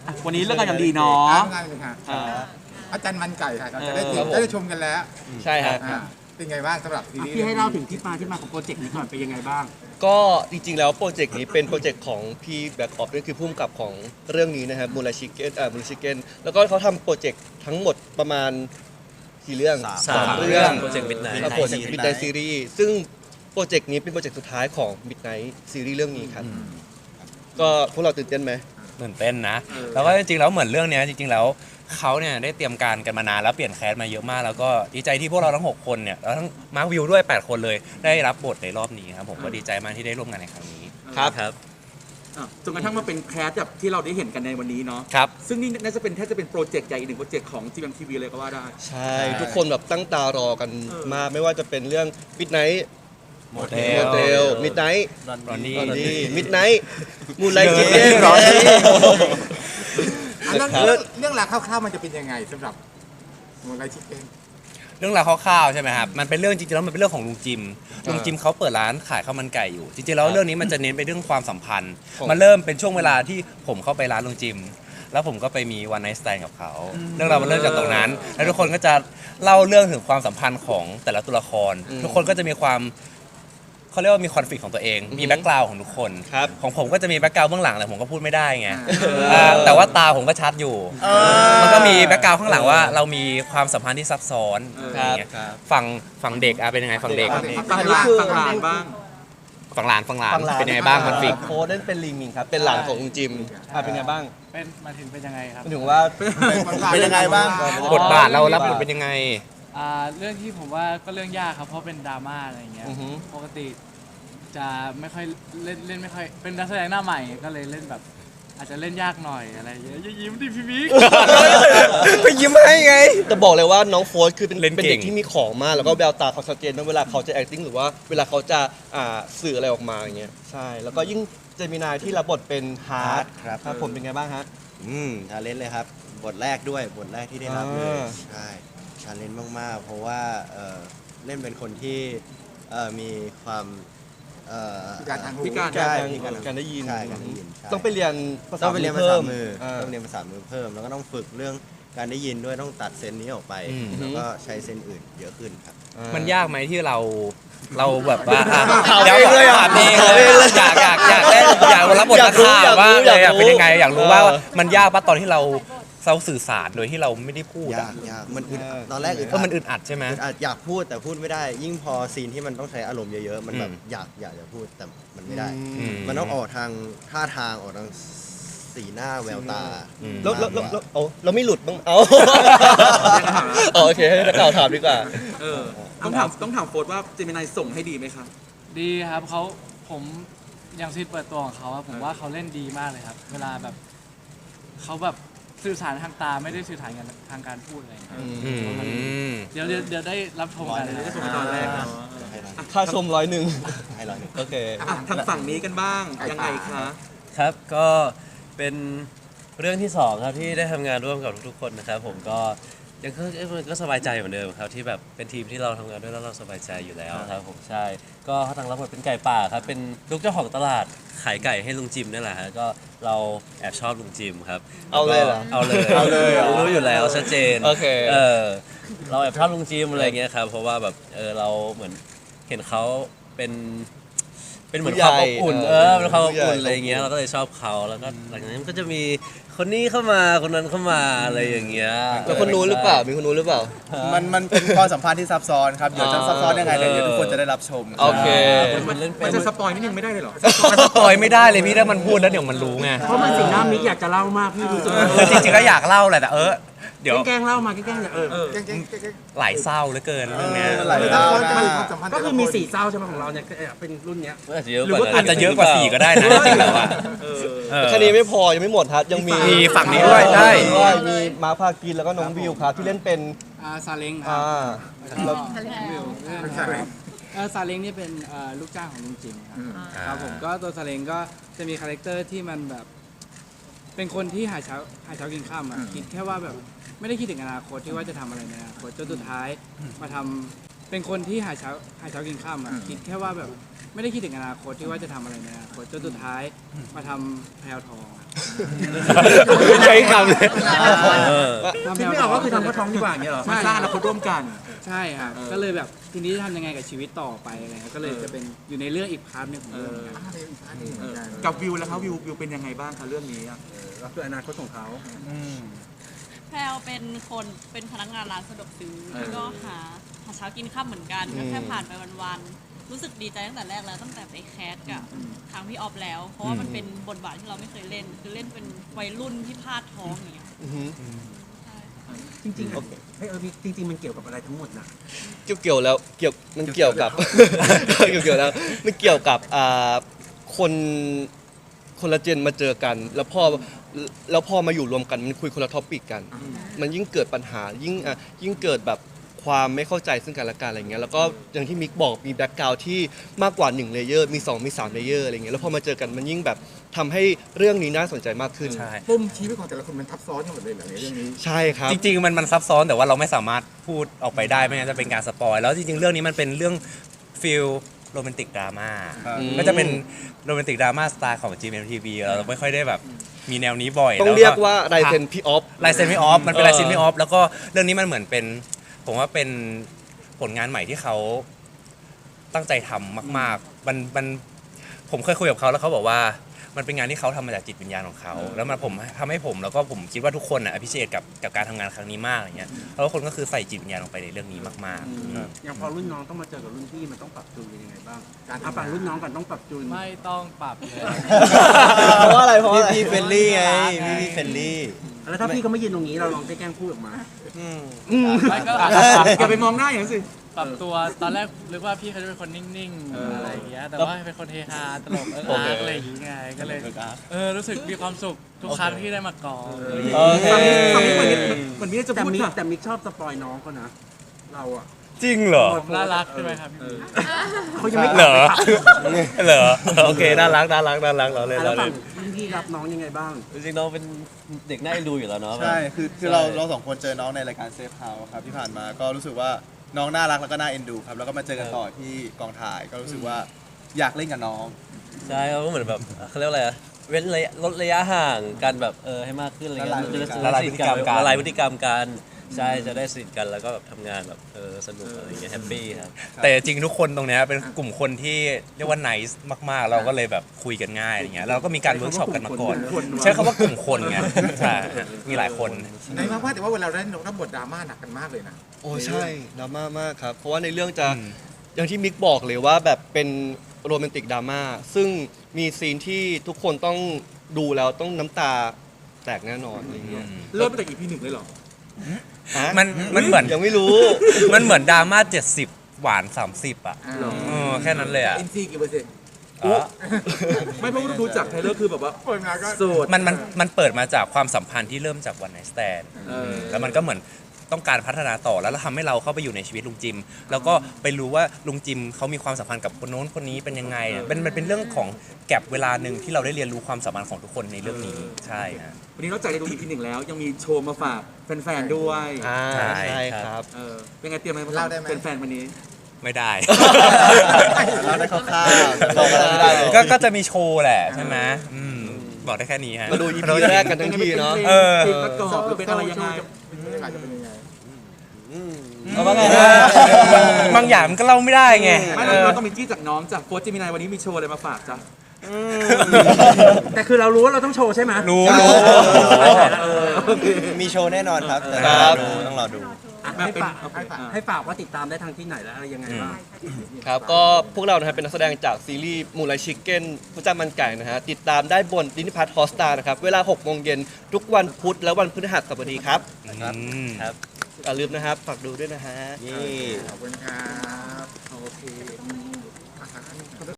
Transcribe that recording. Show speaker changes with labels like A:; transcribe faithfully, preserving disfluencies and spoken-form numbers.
A: วันนี้เรื่องงานอย่างดีเนาะ
B: งานเลยค่ะอาจารย์มันไก่ค่ะเราจะได้เห็นได้ชมกันแล้ว
C: ใช่ครับ
B: เป็นไงบ้างสำหรับซีรีส์
A: พี่ให้เล่าถึงที่มาที่มาของโปรเจกต์นี้ก่อนเป็นยังไงบ้าง
C: ก็จริงๆแล้วโปรเจกต์นี้เป็นโปรเจกต์ของพี่แบ็กออฟนั่นคือผู้กำกับของเรื่องนี้นะครับมูลชิเก้นอ่ามูลชิเก้นแล้วก็เขาทำโปรเจกต์ทั้งหมดประมาณกี่เรื่อง
D: สาม
C: เรื่อง
D: โปรเจกต์ Midnight
C: โปรเจกต์ Midnight Series ซึ่งโปรเจกต์นี้เป็นโปรเจกต์สุดท้ายของ Midnight Series เรื่องนี้ครับก็พวกเราตื่นเต้นไหม
D: ตื่นเต้นนะ แล้วก็จริงๆแล้วเหมือนเรื่องเนี้ยจริงๆแล้วเขาเนี่ยได้เตรียมการกันมานานแล้วเปลี่ยนแคสมาเยอะมากแล้วก็ดีใจที่พวกเราทั้งหกคนเนี่ยแล้วทั้งมาร์ควิวด้วยแปดคนเลยได้รับบทในรอบนี้ครับผมก็ดีใจมากที่ได้ร่วมงานในครั้งนี้
C: ครับ
D: ครับ
A: จนกระทั่งมาเป็นแคสแบบที่เราได้เห็นกันในวันนี้เนาะ
D: ครับ
A: ซึ่งนี่น่าจะเป็นแทบจะเป็นโปรเจกต์ใหญ่อีกหนึ่งโปรเจกต์ของ จี เอ็ม ที วี เลยก็ว่าได้
C: ใช่ ทุกคนแบบตั้งตารอกันมากไม่ว่าจะเป็นเรื่อง Midnight
D: โมเท
C: โม
D: ล
C: เดล Midnight
D: รอนนี่
C: ตอนนี้ Midnight มูลไลจิเก้น
D: ร้อนนี่
B: เรื่องเรื่องเรื่องราวคร่าวๆมันจะเป็นยังไงสำหรับมูลไลชิเก้น
D: เรื่องราวคร่าวๆใช่ไหมครับมันเป็นเรื่องจริงๆแล้วมันเป็นเรื่องของลุงจิมลุงจิมเขาเปิดร้านขายข้าวมันไก่อยู่จริงๆแล้วเรื่องนี้มันจะเน้นไปเรื่องความสัมพันธ์มันเริ่มเป็นช่วงเวลาที่ผมเข้าไปร้านลุงจิมแล้วผมก็ไปมีวันไนท์สแตนกับเขาเรื่องราวมันเริ่มจากตรงนั้นแล้วทุกคนก็จะเล่าเรื่องถึงความสัมพันธ์ของแต่ละตัวละครทุกคนก็จะมีความเขาเรียกว่ามีคอนฟ lict ของตัวเองมีแบ็กกราวด์ของทุกคน
C: ครับ
D: ของผมก็จะมีแบ็กกราวด์เบื้องหลังแต่ผมก็พูดไม่ได้ไงอ่าแต่ว่าตาผมก็ชัดอยู่มันก็มีแบ็กกราวด์ข้างหลังว่าเรามีความสัมพันธ์ที่ซับซ้อนอย่างเงี้ยฝั่งฝั่งเด็กอะเป็นยังไงฝั่งเด็ก
A: ฝั่งหลานฝั่งหลานบ้าง
D: ฝั่งหลานฝั่งหลานเป็นยังไงบ้างคอนฟ lict
C: โค้ดนั่นเป็นลิงมิงครับ เป็นหลานของลุงจิมอ่ะเป็นไงบ้าง
E: เป็นมาถึงเป็นยังไงครับ
C: หมายถึงว่า
B: เป็นยังไงบ้าง
D: บทบาทเรารับบทเป็นยังไง
E: อ่าเรื่องที่ผมว่าก็เรื่องยากครับเพราะเป็นดราม่าอะไรอย่างเงี้ย
C: อือฮึ
E: ปกติจะไม่ค่อยเล่นเล่นไม่ค่อยเป็นนักแสดงหน้าใหม่ก็เลยเล่นแบบ อาจจะเล่นยากหน่อยอะไรอย่างเงี้ยอย่ายิ้มดิพี่บิ๊ก
D: ไปยิ้มให้ไง
C: จะบอกเลยว่าน้องโฟร์คือเป็น
D: เล่น
C: เป็น
D: เก่
C: เด็
D: ง
C: กที่มีของมากแล้วก็แววตาเขาชัดเจนมากเวลาเขาจะ acting หรือว่าเวลาเขาจะอ่าสื่ออะไรออกมาอย่างเงี้ยใช่แล้วก็ยิ่งเจมินายที่รับบทเป็นฮาร์ด
F: ครับ
C: ครับผมเป็นไงบ้างฮะ
F: อืมชาเลนจ์เลยครับ บทแรกด้วย บทแรกที่ได้รับเลย
C: อ่า
F: ใช่ชาเลนจ์มาก ๆ เพราะว่าเอ่อเล่นเป็นคนที่เอ่อมีความเอ่อ
B: พิการทางหู
A: พิการ
F: ใช่
C: การ
F: พิการ
C: การได้ยิน
F: ใช่การได้ยินใช่
C: ต้องไปเรียนภาษา
F: ต้องไปเรียนภาษามือ
C: เพิ่ม
F: ต้องเรียนภาษามือเพิ่ม แล้วก็ต้องฝึกเรื่องการได้ยินด้วยต้องตัดเซนนี้ออกไป
D: อืม
F: แล้วก็ใช้เซนอื่นเยอะขึ้นครับ
C: อ่
D: มันยากไหมที่เราเราแบบว่าอ่ะ
C: ถาม
D: ดี๋ว
C: เองเลยอ่ะ
D: ถามเองเลยอยากอยากอยากเล่นอยากรับบท
C: อยา
D: นั
C: ก
D: ก
C: รู้
D: ข่าว
C: อยากรู้
D: ว่าเลย
C: อยากรู้
D: เป็นยังไงอยากรู้ว่า
C: เออ
D: มันยากปะตอนที่เราเราสื่อสารโดยที่เราไม่ได้พูด
F: ยา
D: อะ
F: กยากมันอึด
C: เออ
F: ตอนแรกอึด
D: เออมันอึดอัดใช่ไหม
F: อึดอัดอยากพูดแต่พูดไม่ได้ ยิ่งพอซีนที่มันต้องใช้อารมณ์เยอะ ๆ มันแบบ
D: อืม
F: อยากอยากจะพูดแต่มันไม่ได้
D: อืม
F: มันต้องออกทางท่าทางออกทางสีหน้าแววตา
D: อืม
C: แล้วแล้วแล้วแล้วเอาเราไม่หลุดบ้างเอา อ๋อโอเคให้นักข่าวถามดีกว่า
A: เออต้องถามต้องถามโฟร์ว่าเจมินายส่งให้ดีไหมครับ
E: ดีครับเขาผมอย่างซีนเปิดตัวของเขาอะผมว่าเขาเล่นดีมากเลยครับ เวลาแบบเขาแบบสื่อสารทางตาไม่ได้สื่อสารกันทางการพูดอะไรอย่างเงี้ย
D: อืม
E: เดี๋ยวเดี๋ยวเดี๋ยวได้รับชมกัน
A: เดี๋ยว
E: นะ
A: จะชมตอนแรกเนาะ
C: ค่าชมร้อยหนึ่ง
F: ให้ร้อยหนึ่ง
C: โอเค
A: อ่ะทางฝั่งนี้กันบ้างยังไงคะ
G: ครับก็เป็นเรื่องที่สองครับที่ได้ทำงานร่วมกับทุกๆคนนะครับผมก็ยังก็เอ้ยมันก็สบายใจเหมือนเดิมครับที่แบบเป็นทีมที่เราทำงานด้วยแล้วเราสบายใจอยู่แล้วครับผมใช่ก็ทางรับบทเป็นไก่ป่าครับเป็นลูกเจ้าของตลาดขายไก่ให้ลุงจิมนี่แหละฮะก็เราแอบชอบลุงจิมครับ
C: เอาเลยเหรอ
G: เอาเลย
C: เอาเลยเหรอ
G: รู้อยู่แล้วชัดเจน
C: โอเค
G: เออเราแอบชอบลุงจิมอะไรเงี้ยครับเพราะว่าแบบเออเราเหมือนเห็นเขาเป็นเป็นเหมือนความอบอุ่น
C: ผู้ใหญ่
G: เออเป็นความอบอุ่น
C: ผู้ใหญ่
G: อะไรเงี้ยเราก็เลยชอบเขาแล้วก็หลังจากนั้นมันก็จะมีคนนี้เข้ามาคนนั้นเข้ามาอะไรอย่างเงี้ย
C: แล้วคนนู้นหรือเปล่า มีคนนู้นหรือเปล่า
H: มันมันเป็นความสัมพันธ์ที่ซับซ้อนครับ เดี๋ยวจะซับซ้อนยังไงเดี๋ยวเดี๋ยวทุกคนจะได้รับชม
C: โอเค
G: มันเล่นเป็
A: มัน
G: น
A: จะสปอยนิดนึงไม่ได้เลยเหรอ
D: มันสปอยไม่ได้เลยพี่ถ้ามันพูดแล้วเดี๋ยวมันรู้ไง
A: เพราะมันสีหน้ามิกอยากจะเล่ามากพี่รู้สึก
D: คือจริงๆก็อยากเล่าแหละแต่เออเดี๋ยว
A: แกล้งเล่ามาแกล้งๆเออ
B: เก่งๆๆ
D: หลายเศร้าเหลือเกินเรื่องเนี้ย
H: หลาย
B: ๆ
H: ดาว
B: มัน
H: นะ
B: ความสัมพันธ์
A: ก็คือมีสี่เศร้าใช่ไหมของเราเนี่ยเป็นรุ่นเนี้ย
G: อาจจะเยอะ
A: หรื
G: ก
A: อ
G: ว่า
A: ว่า
D: อาจจะเยอะกว่าสี่ก็ได้นะจริงๆแล้วอะ
A: เออ
D: เออ
C: แค่นี้ไม่พอ ยังไม่หมดครับ ยังมี
D: มีฝั่งนี้ด้วยใช่
C: ด้วยมีมาร์คพากินแล้วก็น้องวิวครับ ที่เล่นเป็น
E: อ่าซาเล้งครั
C: อ่า
E: บแล้วก็วิว
B: เป็นใช่ไหม
E: เออซาเล้งนี่เป็นเอ่อลูกจ้างของลุงจิมครับ
B: อืม
E: ครับผมก็ตัวซาเล้งก็จะมีคาแรคเตอร์ที่มันแบบ เป็นคนที่หาเช้าหาเช้ากินข้ามอ่ะคิดแค่ว่าแบบไม่ได้คิดถึงอนาคตที่ว่าจะทำอะไรในอนาคตจนสุดท้ายมาทำเป็นคนที่หาเช้าหาเช้ากินข้ามอะคิดแค่ว่าแบบไม่ได้คิดถึงอนาคตที่ว่าจะทำอะไรในอนาคตจนสุดท้ายมาทำแพลวทองอะ
C: ใช้คำเลย
G: เออ
E: ทำแพ
A: คิด
E: ลว
A: ไม่
E: ท
A: อ
E: อ
A: อง กก็คือทำกระท้องดีกว่าอย่างเงี้ยเหรอ
E: ใช่
A: มาสร้างอนาคตร่วมกัน
E: ใช่ครับก็เลยแบบทีนี้จะทำยังไงกับชีวิตต่อไปอะไรเงี้ยก็เลยจะเป็นอยู่ในเรื่องอีกพาร์ทหนึงของเรื่องครับ
A: เออกับวิวแล้วครับวิววิวเป็นยังไงบ้างคะเรื่องนี้อะ
B: ก็คืออนาคตของเขา
I: แพลวเป็นคนเป็นพนักงานร้านสะดวกซื้อแล้วก็หาหาเช้ากินข้ามเหมือนกันก็แค่ผ่านไปวันๆรู้สึกดีใจตั้งแต่แรกแล้วตั้งแต่ไปแคสกับทางพี่ออฟแล้ว เพราะว่ามันเป็นบทบาทที่เราไม่เคยเล่น คือเล่นเป็นวัยรุ่นที่พลาดท้องอย่างเงี้ย
C: อือฮึ
I: ใช่
J: จริงๆเฮ้ยเออจริงๆมันเกี่ยวกับอะไรทั้งหมดนะ
C: เกี่ยวเกี่ยวแล้วเกี่ยวมันเกี่ยวกับ เกี่ยวเกี่ยวแล้วมันเกี่ยวกับอ่าคนคนละเจนมาเจอกัน แล้วพอแล้วพอมาอยู่รวมกันมันคุยคนละท็อปิกกัน มันยิ่งเกิดปัญหายิ่งอ่ะยิ่งเกิดแบบความไม่เข้าใจซึ่งกันและกันอะไรเงี้ยแล้วก็อย่างที่มิกบอกมีแบ็กกราวด์ที่มากกว่าหนึ่งเลเยอร์มีสองมีสามเลเยอร์อะไรเงี้ยแล้วพอมาเจอกันมันยิ่งแบบทำให้เรื่องนี้น่าสนใจมากขึ้น
D: ใช่
B: ปุ่มชีวิตของแต่ละคนมันทับซ้อนกันหมดเลยเหรอในเรื่องนี้
C: ใช่ครับ
D: จริงๆมันมันซับซ้อนแต่ว่าเราไม่สามารถพูดออกไปได้ไม่งั้นจะเป็นการสปอยแล้วจริงๆเรื่องนี้มันเป็นเรื่องฟิลโรแมนติกดราม่า
H: ครับ
D: ก็จะเป็นโรแมนติกดราม่าสไตล์ของ จี เอ็ม ที วี เราไม่ค่อยได้แบบมีแนวนี้บ่อย
C: ต้อง
D: แล้ว
C: เรียกว่าลายเซ็นพี่ออฟ
D: ลายเซ็นไม่ออฟมันเป็น
C: เออ
D: ลายเซ็นไม่ออฟแล้วก็เรื่องนี้มันเหมือนเป็น ผมว่าเป็นผลงานใหม่ที่เขาตั้งใจทำมากๆมันมันผมเคยคุยกับเขาแล้วเขาบอกว่ามันเป็นงานที่เขาทำมาจากจิตวิญญาณของเขาแล้วมันผมทำให้ผมแล้วก็ผมคิดว่าทุกคนอ่ะพิเศษกับกับการทำงานครั้งนี้มากอย่างเงี้ยแล้วทุกคนก็คือใส่จิตวิญญาณลงไปในเรื่องนี้มากๆ
J: อย่างพอรุ่นน้องต้องมาเจอกับรุ่นพี่มันต้องปรับจูนยังไงบ้าง
B: การทำงาน
J: เอาฝั่งรุ่นน้องกันต้องปรับจูน
E: ไม่ต้องปรับเลย
C: เพราะว่าอะไรเพราะว่าอะไร
F: พี่เฟลลี่ไงพี่พี่เฟลลี่
J: แล้วถ้าพี่เขาไม่ยืนตรงนี้เราลองแกล้งพูดออกมา
E: ไม่ก็
A: อย่าไปมองหน้าอย่างนั้นสิ
E: ปรับตัวตอนแรกนึกว่าพี่เขาจะเป็นคนนิ่งๆอะไรอย่างเงี้ยแต่ว่าเป็นคนเฮฮาตลกเอิ๊กอาร์กอะไรอย่างเงี้ยก็เลยเออรู้สึกมีความสุขทุกครั้งที่ได้มากอง
C: โอเค
A: ฟังนี้ฟังนี้เหมือนเหมือนมิกจะ
J: แต่
A: พูด
J: มิก
A: ค่ะ
J: แต่มิกชอบสปอยน้องเขานะ เราอ่ะ
D: จริงเหรอ
E: ผมน่ารักใช่ไหมครับพี่บี
J: เขายังไม่
D: เหรอ
J: ตอบเลยค่ะ
D: เหรอโอเคน่ารักน่ารักน่ารักเราเลย
J: อ่ะ
D: เรา
J: แล้ว
D: เล
J: ฝั่
D: ย
J: งรุ่นพี่รับน้องยังไงบ้าง
G: จริงๆน้องเป็นเด็กน่าเอ็นดูอยู่แล้วเนาะ
H: ใช่ คือคือเราเราสองคนเจอน้องในรายการเซฟเฮาส์ครับที่ผ่านมาก็รู้สึกว่าน้องน่ารักแล้วก็น่าเอ็นดูครับ แล้วก็มาเจอกันต่อที่กองถ่ายก็รู้สึกว่าอยากเล่นกับน้อง
G: ใช่เขาก็เหมือนแบบเขาเรียกว่าอะไรอะเว้นระยะลดระยะห่างกันแบบเออให้มากขึ้นอะไรเงี้ย
H: ละลาย
G: จะได้
D: ละลายพฤติกรรมกัน
G: ละลายพฤติกรรมกันใช่จะได้สนิทกันแล้วก็แบบทำงานแบบเออสนุกอะไรเงี้ยแฮปปี้ครับ
D: แต่จริงทุกคนตรงเนี้ยเป็นกลุ่มคนที่เรียกว่า nice มากๆ เราก็เลยแบบคุยกันง่ายอะไรเงี้ยเราก็มีการเวิร์กช็อปกันมาก่อน ใช้คำว่ากลุ่มคนไงใช่มีหลายคน
B: ในมากว่าแต่ว่าเวลาเราเล่นรับบทดราม่าหนักกันมากเลยนะ
C: โอ้ใช่ดราม่ามากครับ เพราะว่าในเรื่องจะ
D: อืม
C: อย่างที่มิกบอกเลยว่าแบบเป็นโรแมนติกดราม่าซึ่งมีซีนที่ทุกคนต้องดูแล้วต้องน้ำตาแตกแน่นอนอะไรเงี้ย
A: เริ่มตั้งแต่ อี พี หนึ่งเลยเหรอ
C: ฮะ
D: มันมันเหมือน
C: ยังไม่รู้
D: มันเหมือนดราม่าเจ็ดสิบหวานสามสิบอ่ะ
B: อ่า
D: เออแค่นั้นเลยอ่ะ
B: อินซีกี่เปอร์เซ็นต์
D: อ๋อ
A: ไม่เพราะว่าดูจากไทเลอร์คือแบบว่า
B: เปิดมาก็
A: โสด
D: มันมันมันเปิดมาจากความสัมพันธ์ที่เริ่มจากวันไนสแตน
A: เออ
D: แล้วมันก็เหมือนต้องการพัฒนาต่อแล้วทำให้เราเข้าไปอยู่ในชีวิตลุงจิม แล้วก็ไปรู้ว่าลุงจิมเขามีความสัมพันธ์กับคนโน้นคนนี้เป็นยังไงเป็นมันเป็นเรื่องของแก็บเวลาหนึ่งที่เราได้เรียนรู้ความสัมพันธ์ของทุกคนในเรื่องนี้ใช่ฮะ
A: วันนี้นอกจากได้ดู อี พี หนึ่งแล้วยังมีโชว์มาฝากแฟนๆด้วย
C: อ่า
D: ใช่
C: ใช่ครับ
A: เออเป็นไงเตรียมอะไรมา
B: เล่า
A: ฝาก
B: ได้ไหม
A: แฟนๆวันนี้
D: ไม่ได้
H: เราได้คร่าวๆบอกอะไรไม่ได้เลย
D: ก็ก็จะมีโชว์แหละใช่ไหมอืมบอกได้แค่นี้ฮะ
C: มาดู อี พี แรกกันทั้งทีเนาะ
D: เออ
A: เพลงประกอบหรือเป็นอะไรยังไง
B: บรรยากาศจะเป็นยังไง
C: เอาว่าไง
D: เออบางอย่างมันก็เล่าไม่ได้ไง
A: ไม่
D: เอ
A: เรา
D: อ
A: เราต้องมีจี้จากน้องจากโฟร์จิมินายวันนี้มีโชว์อะไรมาฝากจ้ะ
J: แต่คือเรารู้ว่าเราต้องโชว์ใช่ไหม
D: รู้
H: ใช่
D: รู้
J: เออ
F: มีโชว์แน่นอนครับ แต่
C: ครับ
F: ต้องรอดู
J: อ่ะให้ฝากให้ฝากว่าติดตามได้ทางที่ไหนและอะไรยังไงบ้าง
C: ครับก็พวกเรานะครับเป็นนักแสดงจากซีรีส์มูลไลชิคเก้นผู้จ้ามันไก่นะฮะติดตามได้บนดินิพัทฮอสตานะครับ เวลาหกโมงเย็นทุกวันพุธและวันพฤหัสบดีครับ
D: อืม
C: ครับอย่าลืมนะครับฝากดูด้วยนะฮะ
F: นี่
B: ขอบคุณครับ โอเค